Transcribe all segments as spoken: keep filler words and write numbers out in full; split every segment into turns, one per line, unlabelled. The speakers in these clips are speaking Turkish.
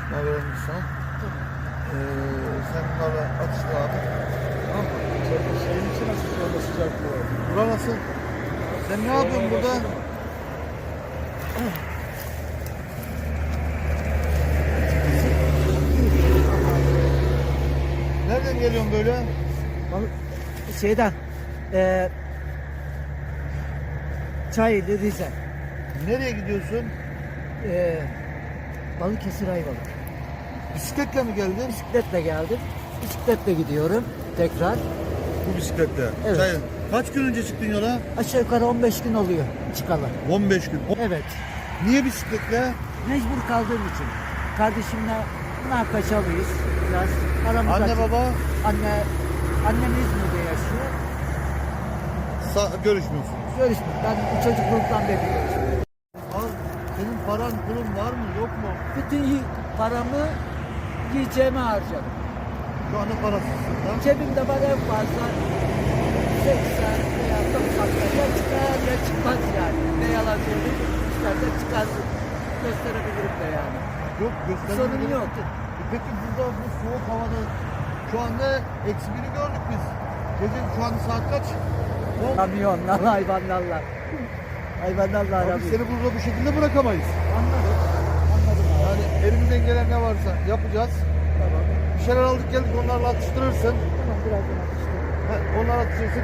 Ben verelim sana. Ee, sen bunlarla atışla abi. Tamam mı?
Şeyin içi nasıl şu anda sıcaklığı?
Bura nasıl? Sen ne yapıyorsun burada? Nereden geliyorsun böyle?
Balık şeyden eee Çayeli Rize.
Nereye gidiyorsun?
Eee Balıkesir Ayvalık.
Bisikletle mi geldin?
Bisikletle geldim. Bisikletle gidiyorum tekrar.
Bu bisikletle.
Evet.
Çayın. Kaç gün önce çıktın yola?
Aşağı yukarı on beş gün oluyor çıkalı.
on beş gün. O-
Evet.
Niye bisikletle?
Mecbur kaldığım için. Kardeşimle münakaşalıyız biraz. Aramız
Anne
açık.
baba
Anne annem İzmir'de yaşıyor.
sa- görüşmüyorsunuz.
Görüşmek. Ben çocukluktan beri görüşüyorum.
Al, senin paran pulun var mı yok mu?
Bütün yi- paramı yiyeceğime harcadım.
Şu anda parasızsın da.
Cebimde var en fazla seksen veya doksan ya çıkar ya çıkmaz yani. Ne yalan söyleyeyim, çıkarsa çıkar gösterebilirim de yani.
Yok göstermiyor.
Sorun yok.
E Peki burada bu soğuk havada şu anda eksi biri gördük biz. Gece şu anda saat kaç? On.
Kamyonlarla, hayvanlarla. Hayvanlarla
Abi
aramıyor.
seni burada bu şekilde bırakamayız.
Anladım. Anladım abi.
Yani elimizden gelen ne varsa yapacağız.
Tamam.
Bir şeyler aldık geldik onlarla atıştırırsın.
Tamam birazdan atıştırdım.
He, onlarla atıştırırsın.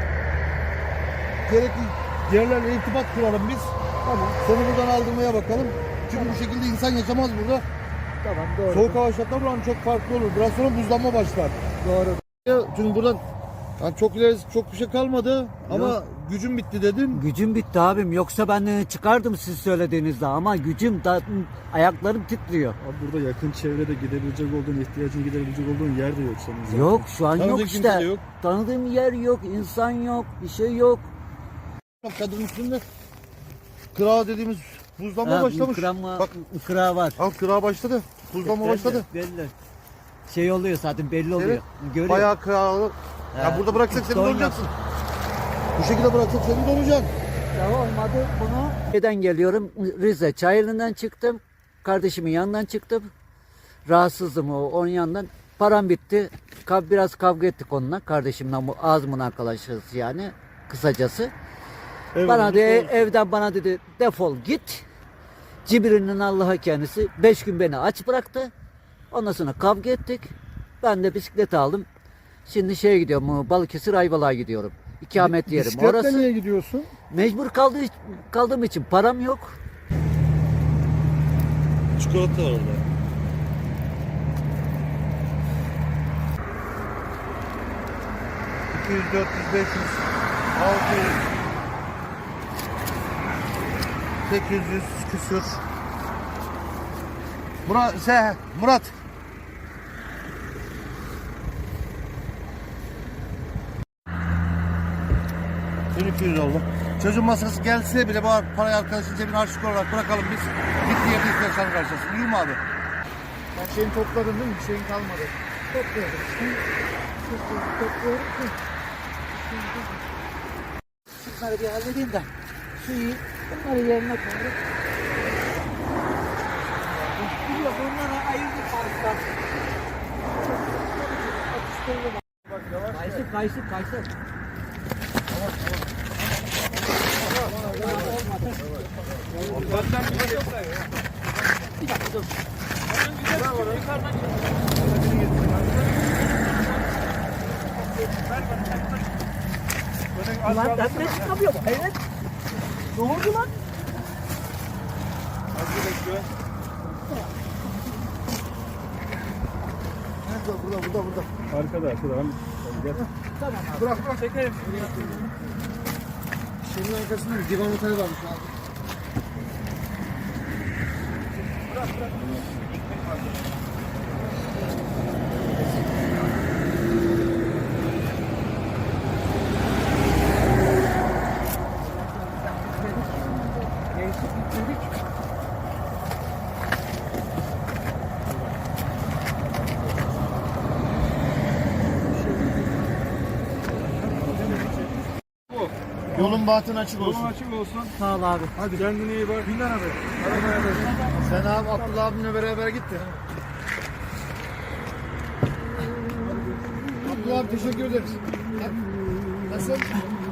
Gerekli yerlerle irtibat kuralım biz.
Tamam.
Seni buradan aldırmaya bakalım. Çünkü bu şekilde insan yaşamaz burada.
Tamam doğru.
Soğuk hava şartları buranın çok farklı olur. Biraz sonra buzlanma başlar.
Doğru.
Ya, çünkü buradan yani çok ileri çok bir şey kalmadı ama
Yok.
gücüm bitti dedin.
Gücüm bitti abim. Yoksa ben e, çıkardım siz söylediğinizde ama gücüm da ayaklarım titriyor.
Abi burada yakın çevrede gidebilecek olduğun, ihtiyacını giderebilecek olduğun yer de yok senin zaten.
Yok şu an
Tanıdığın
yok
kimse de
işte.
yok.
Tanıdığım yer yok, insan yok, bir şey yok.
Kadın üstünde kıra dediğimiz buzlanma
Ha,
başlamış.
ıkra,
Bak
ıkra var.
al kıra başladı. Buzlanma
Belli,
başladı.
Belli. Şey oluyor zaten belli oluyor.
Evet.
Görüyor.
Bayağı kıralı. Ya
Ha,
burada bıraksak seni
don
donacaksın. Bu şekilde bıraksak seni donacaksın.
Ya olmadı bunu. Neden geliyorum? Rize Çayeli'nden çıktım. Kardeşimin yanından çıktım. Rahatsızdım o onun yanından. Param bitti. Kav, biraz kavga ettik onunla. Kardeşimle bu ağzımın arkadaşız yani. Kısacası.
Evet,
bana
bu
de,
doğru.
evden bana dedi defol git. Cibril'in Allah'a kendisi beş gün beni aç bıraktı. Ondan sonra kavga ettik. Ben de bisiklet aldım. Şimdi şeye gidiyorum, Balıkesir Ayvalık'a gidiyorum. İkamet yerim.
Bisikletle
Orası
niye gidiyorsun?
mecbur kaldığı, kaldığım için param yok.
Çikolata var orada. iki yüz, dört yüz, beş yüz, altı yüz, sekiz yüz küsür. Murat, se, Murat. bin iki yüz oldu. Çocuğun masası gelse bile bu parayı arkadaşın cebine harçlık olarak bırakalım biz. Gittiği yerde ihtiyaçlarını karşılasın. İyi mi abi?
Her şeyini topladın değil mi? Bir şeyin kalmadı.
Topluyorum. Topluyorum. Şunları bir halledeyim de. Suyu bunları yerine koyuyorum. Biliyorum bunlara ayırdık fazla. Kayısı kayısı kayısı. Bir dakika dur. Ulan ben de çıkamıyorum. Evet. Ne oldu lan?
Nerede? Burada, burada, burada.
Arkada, arkada. Hani, gel.
Tamam abi.
Bırak, bırak. Çekelim. Şeyin arkasında bir divan oteli varmış abi.
Değişik gitmedik.
Yolun bahtın açık olsun.
Yolun açık olsun.
Sağ ol abi.
Hadi kendine iyi bak. Bin lira ver.
Sen abi Abdullah abimle beraber gitti. Abdullah abi teşekkür ederiz. Nasıl?